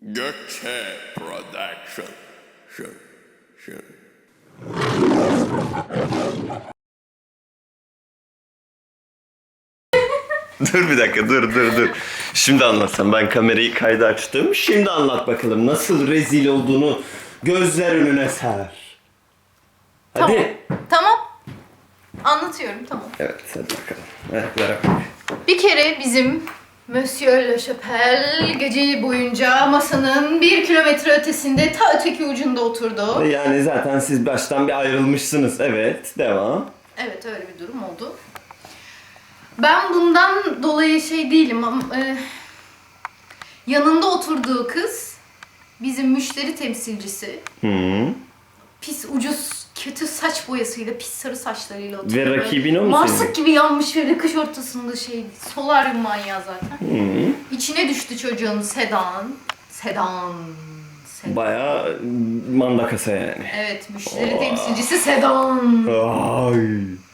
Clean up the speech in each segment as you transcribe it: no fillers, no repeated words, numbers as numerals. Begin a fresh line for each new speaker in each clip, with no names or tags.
Gökçe Production. Şu.
Dur bir dakika, dur. Şimdi anlatsam, ben kamerayı kayda açtım. Şimdi anlat bakalım nasıl rezil olduğunu gözler önüne ser. Hadi.
Tamam. Anlatıyorum, tamam.
Evet, hadi bakalım. Ver bakalım.
Bir kere bizim Monsieur Le Chapelle gece boyunca masanın 1 kilometre ötesinde ta öteki ucunda oturdu.
Yani zaten siz baştan bir ayrılmışsınız. Evet, devam.
Evet, öyle bir durum oldu. Ben bundan dolayı şey değilim ama yanında oturduğu kız bizim müşteri temsilcisi.
Hı.
Pis, ucuz, kötü saç boyasıyla, pis sarı saçlarıyla oturuyor.
Ve rakibin o mu
Marsık
senin?
gibi yanmış böyle kış ortasında şey, solaryum manyağı zaten.
Hı.
İçine düştü çocuğun Sedan.
Bayağı mandakasa yani.
Evet, müşteri temsilcisi Sedan.
Ay.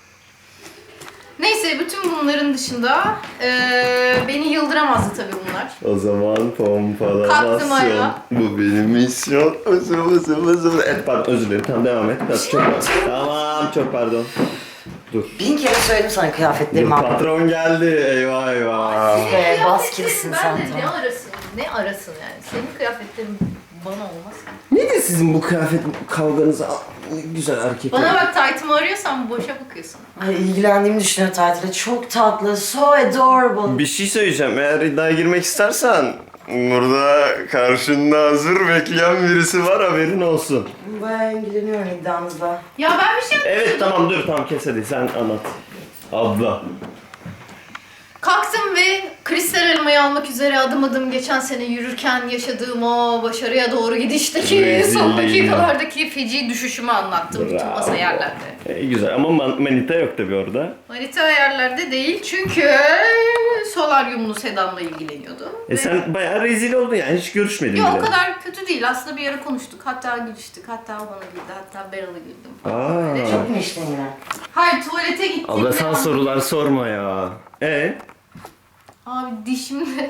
Neyse, bütün bunların dışında beni yıldıramazdı tabii bunlar.
O zaman
Kalktım
pompalamasyon.
ayağa.
Bu benim misyon. Özür. Evet, pardon, özür dilerim. Tamam, devam et. Çok pardon. Tamam, çok pardon. Dur.
1000 kere söyledim sana kıyafetlerimi al.
Patron geldi. Eyvah.
Be, baskilisin
Ben
sen,
de
tamam.
ne arasın yani. Senin kıyafetlerin bana olmaz.
Nedir sizin bu kıyafet kavganız? Ne güzel erkek.
Bana bak, taytımı arıyorsan boşa bakıyorsun.
Ay, ilgilendiğimi düşünüyor tatile. Çok tatlı, so adorable.
Bir şey söyleyeceğim. Eğer iddiaya girmek istersen burada karşında hazır bekleyen birisi var, haberin olsun.
Bayağı ilgileniyorum iddianızla.
Ya ben bir şey
Evet, tamam, dur, tamam, kes hadi, sen anlat. Abla.
kalktım ve kristal elmayı almak üzere adım adım geçen sene yürürken yaşadığım o başarıya doğru gidişteki
Rezilliğini.
son dakikalardaki feci düşüşümü anlattım bütün
Bravo.
masa yerlerde.
Güzel ama manita yok tabii orada.
Manita yerlerde değil çünkü solaryumlu Sedan'la ilgileniyordu. Ve-
Sen bayağı rezil oldun yani, hiç görüşmedin
Yok,
bile.
o kadar kötü değil. Aslında bir ara konuştuk. Hatta gülüştük. Hatta o bana güldü. Hatta ben ona güldüm falan.
Aa.
Böyle.
Çok mu içtin yine?
Hayır, tuvalete gittim.
Abla, sen sorular sorma ya.
Abi dişimde...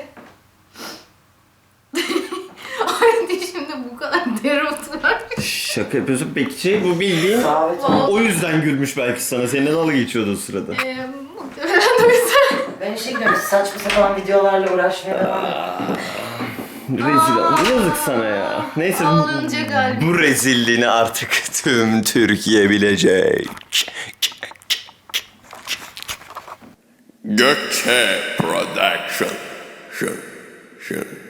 Ay, dişimde bu kadar dereotu var.
Şaka yapıyorsun. Peki bu bildiğin
Davet
o yüzden gülmüş belki sana. Seninle dalga geçiyordu o sırada.
Muhtemelen de o yüzden.
Ben işe gidiyorum. Saçma sapan videolarla uğraşmaya devam et.
Rezil oldun. Yazık sana ya. Neyse
Ağlayınca galiba.
bu rezilliğini artık tüm Türkiye bilecek.
Gökçe Production. Şu.